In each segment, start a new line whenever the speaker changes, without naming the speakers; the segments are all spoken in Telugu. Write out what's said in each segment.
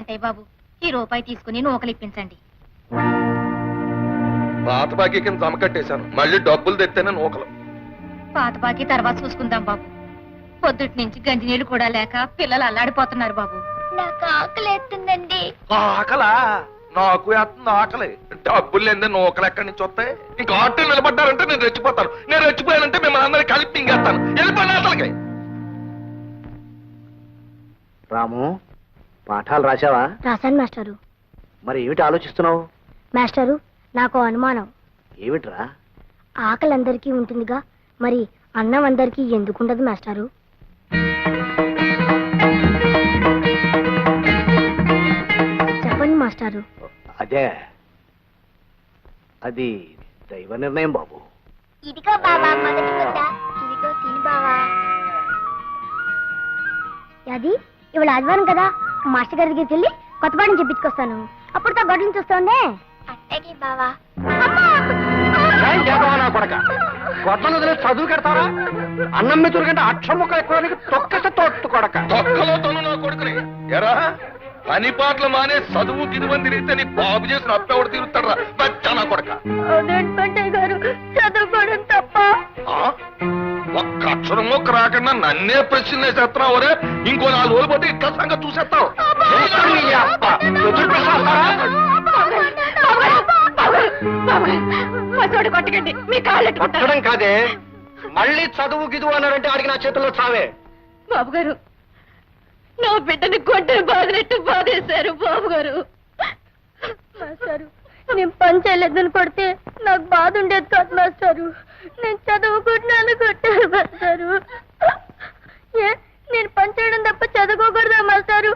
పెంటయ్య బాబు, ఈ రూపాయి తీసుకుని నూకలు ఇప్పించండి.
పాత బాకీ కింద జమ కట్టేశాను, మళ్ళీ డబ్బులు తెత్తేనే నూకలు.
పాత బాకీ తర్వాత చూసుకుందాం బాబు. పొద్దుటి నుంచి గంజి నీళ్లు కూడా లేక పిల్లలు అల్లాడిపోతున్నారు బాబు.
నాకు ఆకలి ఎత్తుందండి.
ఆకలా? నాకు వేస్తుంది ఆకలి. డబ్బులు లేదే నూకలు ఎక్కడి నుంచి వస్తాయి? ఇంకా ఆటో నిలబడ్డారంటే నేను రెచ్చిపోతాను. నేను రెచ్చిపోయానంటే మిమ్మల్ని అందరికీ కలిపి మింగేస్తాను. వెళ్ళిపోయిన అసలుకి.
రాము, పాఠాలు రాశావా?
రాశాను మాస్టారు.
మరి ఏమిటి ఆలోచిస్తున్నావు?
మాస్టారు, నాకు అనుమానం.
ఏమిట్రా?
ఆకలి అందరికీ ఉంటుందిగా, మరి అన్నం అందరికీ ఎందుకుండదు మాస్టారు? చెప్పండి మాస్టారు.
అదే, అది దైవ నిర్ణయం బాబు.
ఇదిగో బావా మొదటి ముద్ద. ఇదిగో తిని బావా.
అది ఇవాళ ఆదివారం కదా, మాస్టర్ గారి దగ్గరికి వెళ్ళి కొత్త పాఠం చెప్పించుకొస్తాను. అప్పుడు తా గొడ్డలు చూస్తుండే.
అట్టకి బావా.
గొడ్డలు వదిలే చదువు కడతారా? అన్నం మీద కంటే అక్షరం ముక్క ఎక్కువ తొక్కస తోట్టు కొడక.
తొక్కలో తను నా కొడుకుని ఎరా పని పాటలు మానే చదువు గిదువని తిరిగితే నీ బాబు చేసిన అప్పెవడు తిరుగుతాడు రా బచ్చా నా కొడక.
గారు చదువుకోవడం తప్ప.
ఒక్క అక్షరం మొక్క రాకుండా నన్నే ప్రశ్న వేసేస్తున్నావు రే. ఇంకో 4 రోజులు పోతే ఇట్లా సంగతి చూసేస్తావు.
కొట్టకండి, మీ కాళ్ళు
కొట్టడం కాదే, మళ్ళీ చదువు గిదువు అన్నారంటే ఆడికి నా చేతుల్లో చావే.
బాబు గారు, నా బిడ్డని కొట్టే బాధినట్టు బాధేశారు బాబు గారు.
మాస్టారు, నేను పని చేయలేదని కొడితే నాకు బాధ ఉండేది కాదు మాస్టారు. నేను చదువుకుంటున్నాను కొట్టారు మాస్టారు. ఏ, నేను పని చేయడం తప్ప చదువుకోకూడదా మాస్టారు?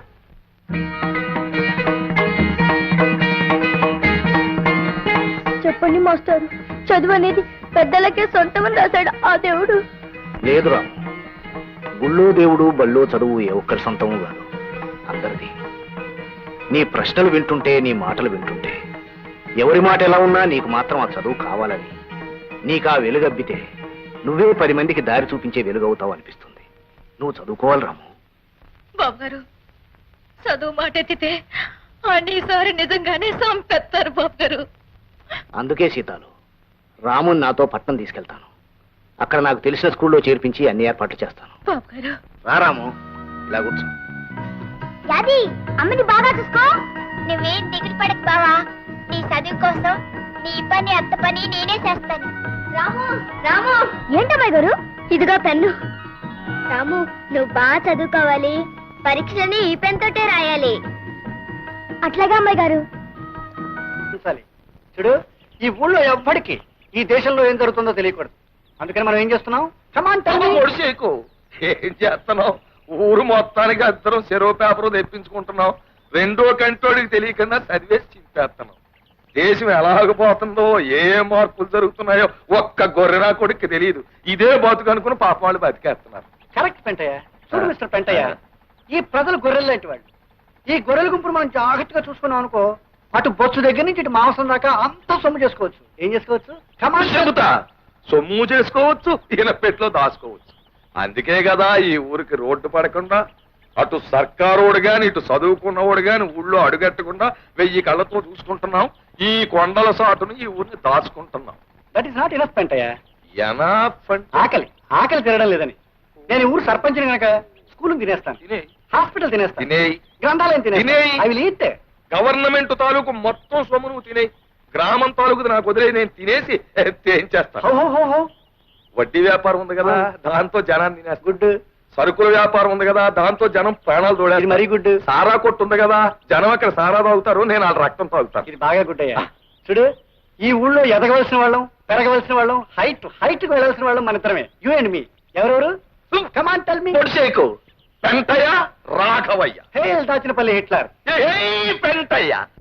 చెప్పండి మాస్టారు, చదువు అనేది పెద్దలకే సొంతమని రాశాడు ఆ దేవుడు.
లేదురా, గుళ్ళో దేవుడు బళ్ళో చదువు ఏ ఒక్కరి సొంతము కాదు, అందరిది. నీ ప్రశ్నలు వింటుంటే, నీ మాటలు వింటుంటే, ఎవరి మాట ఎలా ఉన్నా నీకు మాత్రం ఆ చదువు కావాలని, నీకు ఆ వెలుగబ్బితే నువ్వే 10 మందికి దారి చూపించే వెలుగవుతావు అనిపిస్తుంది. నువ్వు చదువుకోవాలి రాము.
బాబు గారు, చదువు మాట ఎత్తితే అన్నిసారి నిజంగానే సంపెత్తారు బాబు గారు.
అందుకే సీతాలు, రాముని నాతో పట్నం తీసుకెళ్తాను. అక్కడ నాకు తెలిసిన స్కూల్లో చేర్పించి అన్ని ఏర్పాట్లు చేస్తాను.
బాబు గారు,
రా రాము, ఇలా కూర్చో.
యాది, అమ్మని బాగా చూసుకో. నువ్వేం దిగులు పడకు బావా. నీ చదువు కోసం నీ పని అత్త పని నేనే చేస్తాను. రాము రాము.
ఏంటమ్మాయి గారు, ఇదిగో పెన్ను.
రాము, నువ్వు బాగా చదువుకోవాలి. పరీక్షని ఈ పెన్ తోటే రాయాలి.
అట్లాగా అమ్మాయి గారు.
చూడు, ఈ ఊళ్ళో ఎవ్వడికి ఈ దేశంలో ఏం జరుగుతుందో తెలియకూడదు. అందుకని మనం ఏం చేస్తున్నాం?
ఒడిసేకు ఏం చేస్తున్నావు? ఊరు మొత్తానికి అందరం చెరువు పేపరు తెప్పించుకుంటున్నాం. 2వ కంటోడికి తెలియకుండా చదివేసి చింపేస్తున్నాం. దేశం ఎలాగపోతుందో, ఏ మార్పులు జరుగుతున్నాయో ఒక్క గొర్రెనా కొడుకు తెలియదు. ఇదే బతుకు అనుకుని పాప వాళ్ళు బతికేస్తున్నారు.
కరెక్ట్ పెంటయ్య. చూడు మిస్టర్ పెంటయ్య, ఈ ప్రజలు గొర్రెలు లాంటి వాళ్ళు. ఈ గొర్రెల గుంపును మనం జాగ్రత్తగా చూసుకున్నాం అనుకో, అటు బొచ్చు దగ్గర నుంచి ఇటు మాంసం దాకా అంతా సొమ్ము చేసుకోవచ్చు. ఏం చేసుకోవచ్చు?
చెబుతా, సొమ్ము చేసుకోవచ్చు, ఈయన పెట్లో దాచుకోవచ్చు. అందుకే కదా ఈ ఊరికి రోడ్డు పడకుండా, అటు సర్కారోడు గాని ఇటు చదువుకున్నవాడు గాని ఊళ్ళో అడుగట్టకుండా 1000 కళ్ళతో చూసుకుంటున్నాం. ఈ కొండల సాటును ఈ ఊరిని దాచుకుంటున్నాం.
That is not enough Pentayya.
Enough అంటే
ఆకలి తినడం లేదని నేను ఊరు సర్పంచ్ని కనుక స్కూల్ తినేస్తాను,
తినేయ్,
హాస్పిటల్ తినేస్తాను,
తినేయ్,
గ్రంథాలయం
తినేయ్.
తినేస్తాను. అవి ఈట్.
గవర్నమెంట్ తాలూకు మొత్తం సొమ్ము నువ్వు తినేయి. గ్రామం తాలూకు నాకు వదిలే, నేను తినేసి ఏం చేస్తాను? వడ్డీ వ్యాపారం ఉంది కదా, దాంతో జనాన్ని తినేస్తా. గుడ్. సరుకుల వ్యాపారం ఉంది కదా, దాంతో జనం ప్రాణాలు తోడేది. మరీ గుడ్. సారా కొట్టు ఉంది కదా, జనం అక్కడ సారా తాగుతారు, నేను వాళ్ళ రక్తం తాగుతాను.
ఇది బాగా గుడ్ అయ్యా. చూడు, ఈ ఊళ్ళో ఎదగవలసిన వాళ్ళం, పెరగవలసిన వాళ్ళం, హైట్ కు వెళ్ళవలసిన వాళ్ళం మన ఇద్దరమే. You and me. ఎవరెవరు? Come on tell me.
పొడిసేకు పెంటయ్య, రాఘవయ్య.
Hey Dachinapalli Hitler.
పెంటయ్య.